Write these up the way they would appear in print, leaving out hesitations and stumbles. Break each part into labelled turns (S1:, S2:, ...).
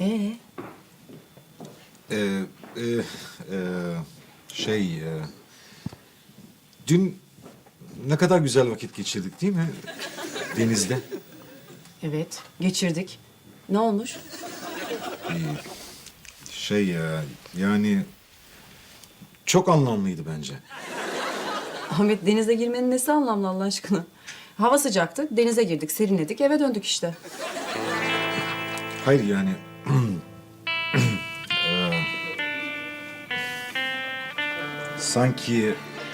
S1: Ee?
S2: Ee, e, e, şey... e, dün ne kadar güzel vakit geçirdik değil mi? Denizde.
S1: Evet, geçirdik. Ne olmuş?
S2: Yani... Çok anlamlıydı bence.
S1: Ahmet, denize girmenin nesi anlamlı Allah aşkına? Hava sıcaktı, denize girdik, serinledik, eve döndük işte.
S2: Hayır yani... sanki...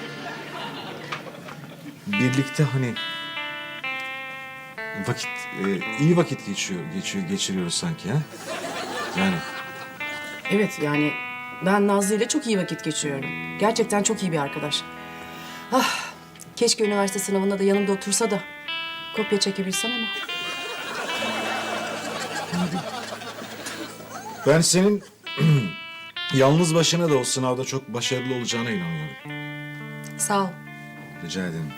S2: Birlikte hani... Vakit... iyi vakit geçiriyoruz sanki ha? Yani...
S1: Evet, yani ben Nazlı ile çok iyi vakit geçiriyorum. Gerçekten çok iyi bir arkadaş. Ah, keşke üniversite sınavında da yanımda otursa da kopya çekebilsem ama.
S2: Ben senin yalnız başına da o sınavda çok başarılı olacağına inanıyorum.
S1: Sağ ol.
S2: Rica ederim.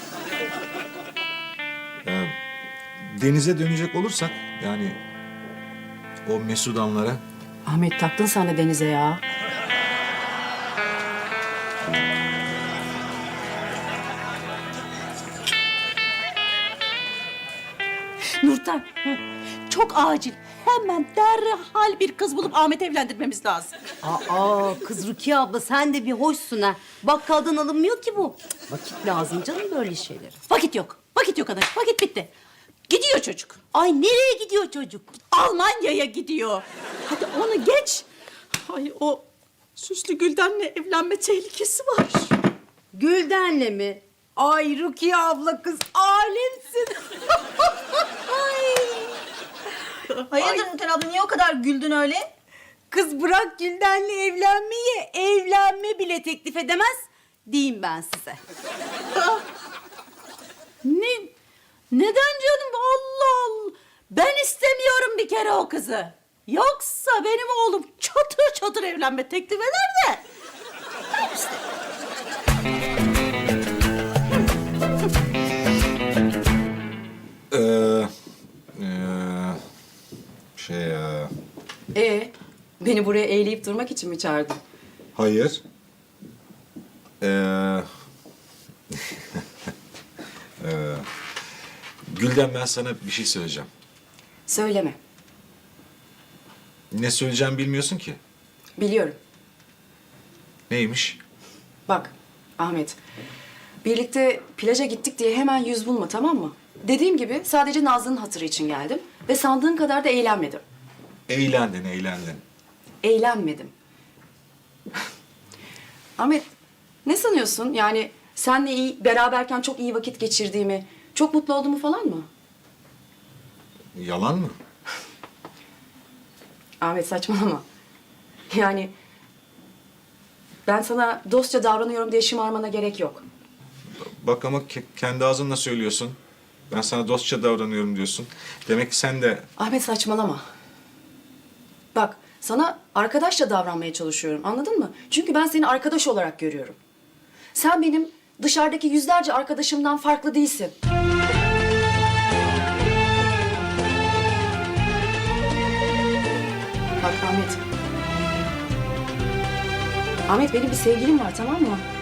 S2: Denize dönecek olursak yani o Mesudanlara
S1: Ahmet, taktın sen de denize ya.
S3: Nurten, çok acil. Hemen derhal bir kız bulup Ahmet'i evlendirmemiz lazım.
S4: Aa kız Rukiye abla sen de bir hoşsun ha. Bakkaldan alınmıyor ki bu. Vakit lazım canım böyle şeylere.
S3: Vakit yok. Vakit yok anacığım. Vakit bitti. Gidiyor çocuk.
S4: Ay nereye gidiyor çocuk?
S3: Almanya'ya gidiyor. Hadi onu geç. Ay o süslü Gülden'le evlenme tehlikesi var.
S4: Gülden'le mi? Ay Rukiye abla kız alemsin.
S5: Hayırdır Nurten abla, niye o kadar güldün öyle?
S4: Kız bırak Gülden'le evlenmeyi, evlenme bile teklif edemez diyeyim ben size.
S3: Neden canım? Allah Allah. Ben istemiyorum bir kere o kızı. Yoksa benim oğlum çatır çatır evlenme teklif eder de. Ben istemiyorum.
S1: Beni buraya eğleyip durmak için mi çağırdın?
S2: hayır. Gülden ben sana bir şey söyleyeceğim.
S1: Söyleme.
S2: Ne söyleyeceğimi bilmiyorsun ki.
S1: Biliyorum.
S2: Neymiş?
S1: Bak Ahmet, birlikte plaja gittik diye hemen yüz bulma, tamam mı? Dediğim gibi sadece Nazlı'nın hatırı için geldim ve sandığın kadar da eğlenmedim.
S2: Eğlendin.
S1: Eğlenmedim. Ahmet, ne sanıyorsun? Yani senle beraberken çok iyi vakit geçirdiğimi, çok mutlu olduğumu falan mı?
S2: Yalan mı?
S1: Ahmet, saçmalama. Yani ben sana dostça davranıyorum diye şımarmana gerek yok.
S2: Bak ama kendi ağzınla söylüyorsun. Ben sana dostça davranıyorum diyorsun. Demek ki sen de...
S1: Ahmet, saçmalama. Bak, sana arkadaşça davranmaya çalışıyorum, anladın mı? Çünkü ben seni arkadaş olarak görüyorum. Sen benim dışarıdaki yüzlerce arkadaşımdan farklı değilsin. Bak Ahmet. Ahmet, benim bir sevgilim var, tamam mı?